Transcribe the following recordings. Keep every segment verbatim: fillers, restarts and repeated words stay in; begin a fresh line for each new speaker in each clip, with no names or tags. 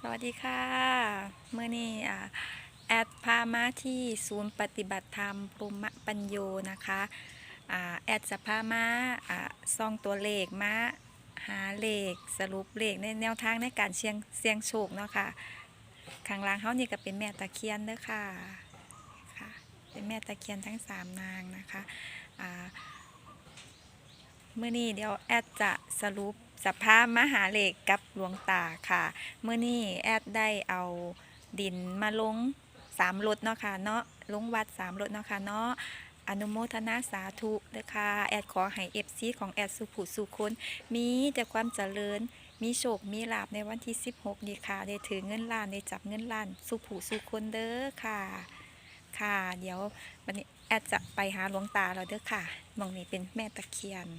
วัสดีค่ะเมื่อนี้อ่าแอดพามาที่ศูนย์ปฏิบัติธรรมพรหมปัญโยนะคะอ่าแอดจะพามาอ่าซองตัวเลขมาหาเลขสรุปเลขในแนวทางในการเสี่ยงเสี่ยงโชคเนาะค่ะข้างล่างเขานี่ก็เป็นแม่ตะเคียนเด้อค่ะค่ะเป็นแม่ตะเคียนทั้งสามนางนะคะอ่าเมื่อนี้เดี๋ยวแอดจะสรุปสภาพมหาเลขกับหลวงตาค่ะเมื่อนี้แอดได้เอาดินมาลงสามรถเนาะค่ะเนาะลงวัดสามรถเนาะค่ะเนาะอนุโมทนาสาธุเลยค่ะแอดขอให้เอฟซีของแอดสุขุสุคนมีแต่ความเจริญมีโชคมีลาภในวันที่สิบหกนี้ค่ะได้ถือเงินล้านได้จับเงินล้านสุขุสุคนเด้อค่ะค่ะเดี๋ยววันนี้แอดจะไปหาหลวงตาเราเด้อค่ะมองนี้เป็นแม่ตะเคียน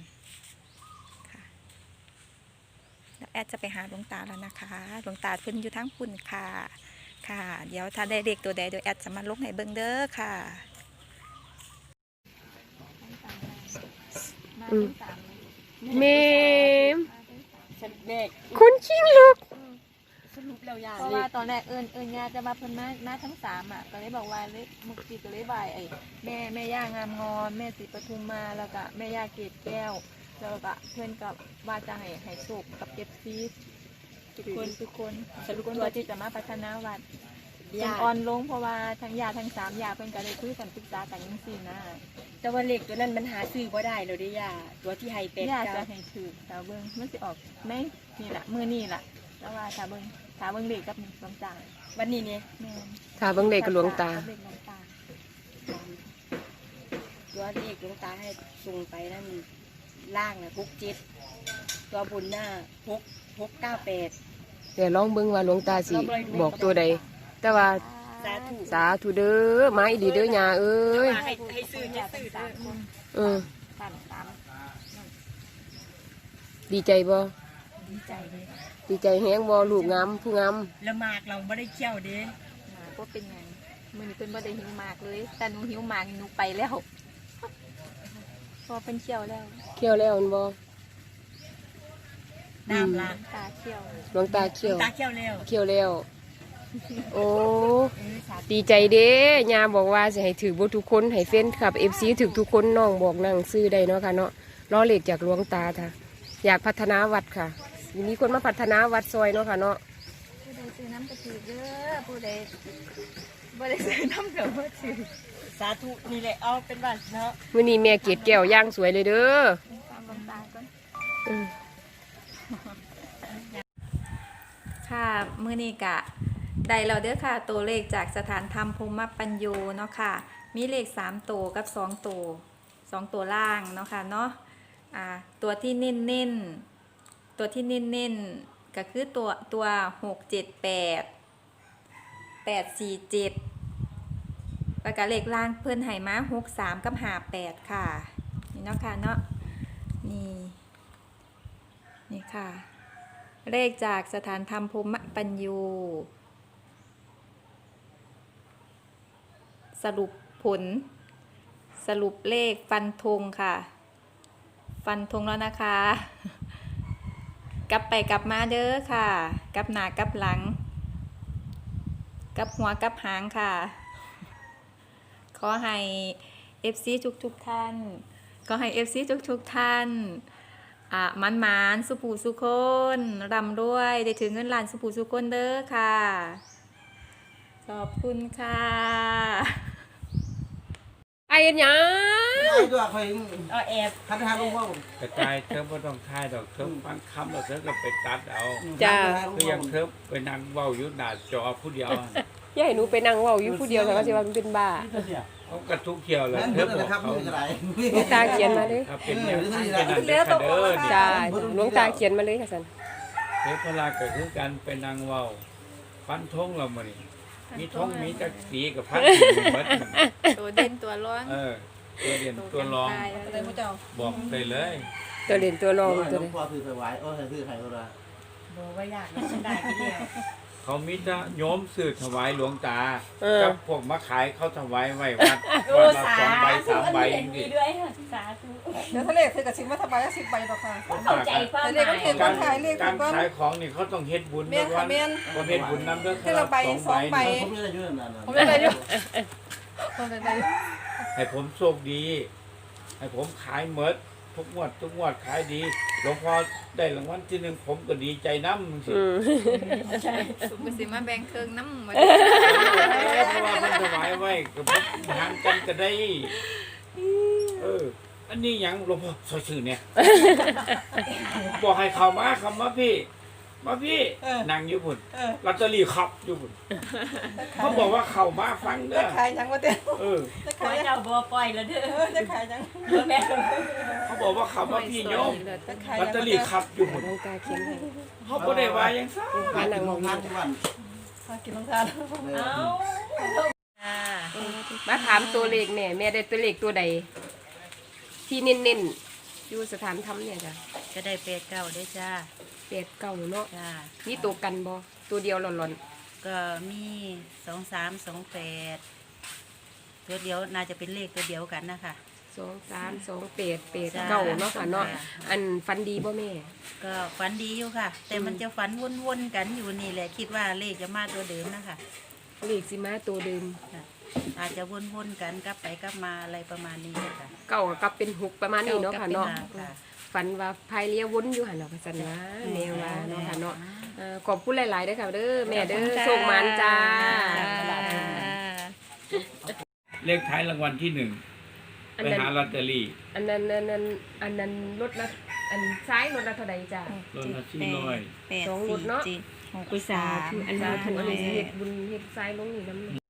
แอดจะไปหาหลวงตาแล้วนะคะหลวงตาเพิ่นอยู่ทั้งคุณค่ะค่ะเดี๋ยวถ้าได้เลขตัวใดเดี๋ยวแอดจะมาลงให้เบิ่งเด้อค่ะ
เมม
ฉันเด็ก
คุณชิงลูก
สรุปแล้วยา
เพราะว่าตอนแรกเอิญเอิญญาจะมาเพิ่นมามาทั้งสามอ่ะก็เลยบอกว่าเลยมุกจีก็เลยบายไอ้แม่แม่ย่างามงอนแม่ศรีปทุมมาแล้วก็แม่ย่าเกศแก้วแล้วก็เพื่อนกับว่าจะให้ให้โชคกับเอฟซีทุกคนทุกคนทุกคนตัวที่จะมาพัฒนาวัดเป็น
ยา
ออนลงเพราะว่าทั้งยาทั้งสามยาเพิ่นก็ได้คุยกันปรึกษากันจังซี่นะ
แต่ว่าเล็กตัวนั้นมันหาซื้อบ่ได้เลยเด้ยาตัวที่ไฮเป็ด
ยาจะ
เจ้า
ให้ถือตาเบิ่งมันสิออกไหมนี่แหละมือนี่แหละแล้วว่าตาเบิ่งตาเบิ่งเด็กกับลำจาง
วันนี้เนี่ย
แม่น
ถ้าเบังเด็กกับหลวงตา
เด็กหลวงตา
ตัวเลขหลวงตาให้ส่งไปนั่นล่างนะพกเจ็ดตัวบนหน้าพกพกเก้าแปด
เดี๋ยวลองเบิ่งว่าหลวงตาสิบอกตัวใด แต่ว่า
สาธุ
สาธุเด้อมาอีดีเด้อยาเอ้ย
ให้ให้ซื้อจะซื้อ
สามคน
เออ
สามสาม
ดีใจบ่
ดีใจเลย
ดีใจแฮงบ่ลูกงามผู้งาม
แล้วหมากเราไม่ได้เคี่ยวเด้
มาก็เป็นไงมือนี้เป็นบ่ได้หิวหมากเลย แต่หนูหิวหมากหนูไปแล้วพอเป็นเชี่ยวแล้ว
เคี่ยวแล้วแม่นบ่
น้ำละ
ตาเชี่ยว
หลวงตาเคี่ยว
ตาเคี่ยวแล้ว
เคี่ยวแล้ว โอ้
เออสาธุ
ดีใจเด้ยาบอกว่าสิให้ถือบ่ทุกคนให้เฟ้นครับ เอฟ ซี ถือทุกคนน้องบอกนั่งซื้อได้เนาะค่ะเนาะรอเลขจากหลวงตาค่ะ อยากพัฒนาวัดค่ะมีคนมาพัฒนาวัดซอยเนาะค่ะเนาะ
ผู้ใดซื้อน้ำกระถือเด้อผู้ใดบ่ได้ซื้อน้ำเกลือบ่ถือ
สาธุนี่แหละเอาเป็นบัตรเนาะ
มื้อนี้แม่เกดแก้วย่างสวยเลยเด้อ
ตามลำตาก่อน
อืม
ค่ะมื้อนี้กะได้แล้วเด้อค่ะตัวเลขจากสถานธรรมภูมิปัญโยเนาะค่ะมีเลขสามตัวกับสองตัวสองตัวล่างเนาะค่ะเนาะอ่าตัวที่เน้นเน้นตัวที่เน้นเน้นก็คือตัวตัวหกเจ็ดแปดแปดสี่เจ็ดแล้วก็เลขล่างเพิ่นให้มาหกสามกับห้าแปดค่ะนี่เนาะค่ะเนาะนี่นี่ค่ะเลขจากสถานธรรมภูมิปัญโยสรุปผลสรุปเลขฟันธงค่ะฟันธงแล้วนะคะ กลับไปกลับมาเด้อค่ะกลับหน้ากลับหลังกลับหัวกลับหางค่ะขอให้ เอฟ ซี ทุกทุกท่านขอให้ เอฟ ซี ทุกทุกท่านอ่ะมันมานสุภูสุคนร่ำรวยได้ถึงเงินล้านสุภูสุคนเด้อค่ะขอบคุณค่ะ
ไอ้เอ็นหยัง
ไอ้ตัวเคย
เอาแอบ
คันทางลงว่าผม
กระจายเทิมก็ต้องค่ายดอกเทิมฟังคำเราเทิมก็ไปตัดเอา
จ้า
คือยังเทิมไปนั่งเว้าอยู่หน้าจอผู้เดียว
อย่าให้หนูไปนั่งเว้าอยู่ผู้เดียวแต่ก็สิว่ามันเป็นบ้า
เขากระทุกเขียวเลย
นั่น
เทิ
เพิ่
ม
น
บ
นะ
อก
ครับ
เขา
นี่ก็ได้
หลวงตาเขียนมาเลย
ถ้าเป็นแนวทางเป็นอันเด็ดขาดเด้อ
จ้าหลวงตาเขียนมาเลยค่ะสัน
เทพลาก็คือการเป็นนางเว้าฟันทงเรามานี่มีทงมีจักสีกับพันหมด
ตัวเด่นตัวร้อน
เออตัวเด่นตัวรอง
เลยพระเจ้า
บอกได้เลย
ตัวเล่นตัวรอง
หล
ตัว
ว
เล
ง
ย
พ่อถือไปไว้โอ้ยถือใครก็ได้
บอกว่ายากนะฉันได้ไปเดียว
เขามีแต่โยมสื่อถวายหลวงตา
เออ
กับพวกมาขายเขาถวายไว้วัดวัดละสองใบสามใบ
เห็น
นี่
มีด้วยค่ะสาธุ
เอ
เดี๋ยวทะเลคือกับสิบมาทำใบละสิบใบดอกค่ะ
เข้าใจความหมาย
การการขายของนี่เขาต้องเฮ็ดบุญ
เมียนค่ะเมียน
บ่เฮ็ดบุญนำเด้อ
คือละใบสองใบ
ผมไม่ได้ยุ่งนาน
ผมไม่ได้อยู่ผมไม่ได้อยู่
ให้ผมโชคดี ให้ผมขายหมดทุกงวดทุกงวดขายดีหลวงพ่อได้รางวัลที่หนึ่งผมก็ดีใจนำสิ
อืม
สุกสิมาแบ่งเครื่องน้ำมา
เพราะว่ามันถวายไว้กับหารกันก็ได้ เออ อันนี้หยังหลวงพ่อซอยชื่อเนี่ย บอกให้เข้ามาเข้ามาพี่ มาพี่นั่งอยู่พุ่นลอตเตอรี่ขับอยู่พุ่นเขาบอกว่าเข้ามาฟังเด้
จะ
อ
ขายยังวะเต้
เออ
จะ
ขอ
ขายยัง
เจ้าบ่ปล่อยแล้วเด้อ
จะขายยัง
แม่
เขาบอกว่าเข้ามาพี่โยม
จะขาย
ลอ
ยั
ต
ง
เตอรี่ขับอยู่พุ่น
น้องตาเขียนให้
เขาบ่ได้ว่าหยังซะ
พานังมอง
ทานทุกวัน
มากินน้ำตาล
เอา
มาถามตัวเลขแม่แม่ได้ตัวเลขตัวใด ที่เน้นๆอยู่สถานธรรมเนี่ยจ้ะ
จะได้เป็ดเก่าได้จ้า
แปดเก้าเนาะ
จ้า
มีตัวกันบ่ตัวเดียวหล่อน
ก็มีสองสามสองแปดตัวเดียวน่าจะเป็นเลขตัวเดียวกันนะคะ
ๆสองสามสองแปดแปดเก้าเนาะค่ะเนาะ
จ้ะ
อันฟันดีบ่แม่
ก็ฝันดีอยู่ค่ะ แต่มันจะฝันวนๆกันอยู่นี่แหละคิดว่าเลขจะมาตัวเดิมนะคะ
เลขสิมาตัวเดิม
ค่ะอาจจะวนๆกันกลับไปกลับมาอะไรประมาณนี้ค่ะ
เก้ากับเป็นหกประมาณนี้เนาะค่ะเนาะ
ก้กับป็หค่ะ
ฝันว่าพายเรือวนอยู่หันเนาะค่ะสันว่าแม่ว่าเนาะค่ะเนาะเอ่อขอบคุณหลายๆเด้อค่ะเด้อแม่เด้อโชคมันจ้า
เลขท้ายรางวัลที่หนึ่ง
อัน
ไป
นั้น
หาลอตเตอรี่
อันนั้นอันนั้นอันนั้นรถละอันซ้ายรถละเท่าใดจ้า
รถละสี่ร้อย
สองรถเนาะ
กุยสา
อันนี้ถูกอันนี้เฮ็ดบุญเฮ็ดซ้ายลงนี่น้ำ